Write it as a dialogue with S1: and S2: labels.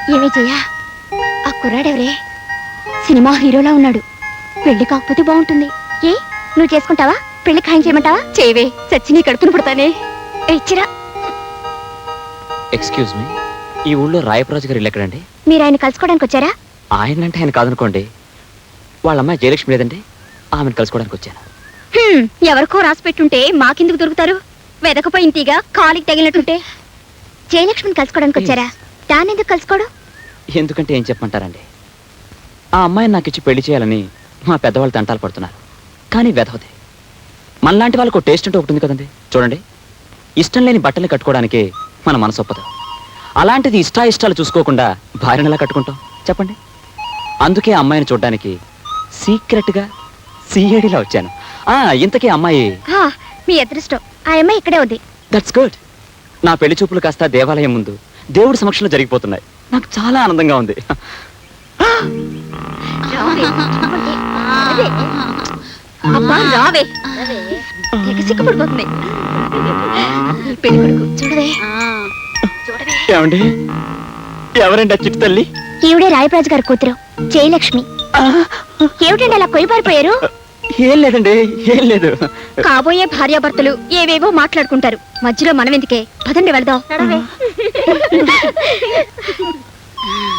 S1: ఏమే చెయ్యా, ఆ కుర్రాడెవరే? సినిమా హీరోలా ఉన్నాడు. పెళ్లి కాకపోతే బాగుంటుంది. ఏ నువ్వు చేసుకుంటావా? పెళ్లి ఖాయం చేయమంటావా? చేయవే, చచ్చి నీ కడుపును పుడతానే. ఇచ్చిరా.
S2: ఎక్స్క్యూజ్ మీ, ఈ ఊళ్ళో రాయప్రాజు గారు ఇల్లు ఎక్కడండి?
S1: మీరు ఆయన కలుసుకోవడానికి వచ్చారా?
S2: ఆయన అంటే ఆయన కాదనుకోండి. వాళ్ళ అమ్మాయి జయలక్ష్మి లేదండి, ఆమెను కలుసుకోవడానికి వచ్చాను.
S1: ఎవరికో రాసి పెట్టుంటే మాకెందుకు దొరుకుతారు? వెదకపోయింతీగా కాలికి తగిలినట్టుంటే. జయలక్ష్మిని కలుసుకోవడానికి వచ్చారా? దాన్ని ఎందుకు కలుసుకోడు?
S2: ఎందుకంటే ఏం చెప్పమంటారండి, ఆ అమ్మాయిని నాకు ఇచ్చి పెళ్లి చేయాలని మా పెద్దవాళ్ళు తంటాలు పడుతున్నారు. కానీ వెధవది. మనలాంటి వాళ్ళకు టేస్ట్ అంటూ ఒకటి ఉంది కదండి. చూడండి, ఇష్టం లేని బట్టలు కట్టుకోవడానికి మన మనసు ఒప్పదు. అలాంటిది ఇష్టాయిష్టాలు చూసుకోకుండా భార్యను ఎలా కట్టుకుంటాం చెప్పండి. అందుకే అమ్మాయిని చూడడానికి సీక్రెట్గా సిఐడిలా వచ్చాను. ఇంతకీ అమ్మాయి
S1: మీ అదృష్టం, ఆ అమ్మాయి ఇక్కడే ఉంది.
S2: That's good. నా పెళ్లి చూపులు కాస్త దేవాలయం ముందు దేవుడి సమక్షంలో జరిగిపోతున్నాయి. నాకు చాలా ఆనందంగా ఉంది.
S1: అబ్బా రావే, సిగ్గుపడిపోతుంది. పెళ్లి కొడుకు చూడవే.
S2: ఏమండి, ఎవరండి ఆ చిట్టు తల్లి?
S1: ఈవిడే రాయప్రాజు గారి కూతురు జయలక్ష్మి. ఏమిటండి అలా కొయ్యబారిపోయారు?
S2: ఏం లేదండి, ఏం లేదు.
S1: కాబోయే భార్యాభర్తలు ఏవేవో మాట్లాడుకుంటారు, మధ్యలో మనం ఎందుకే? పదండి వెళదాం.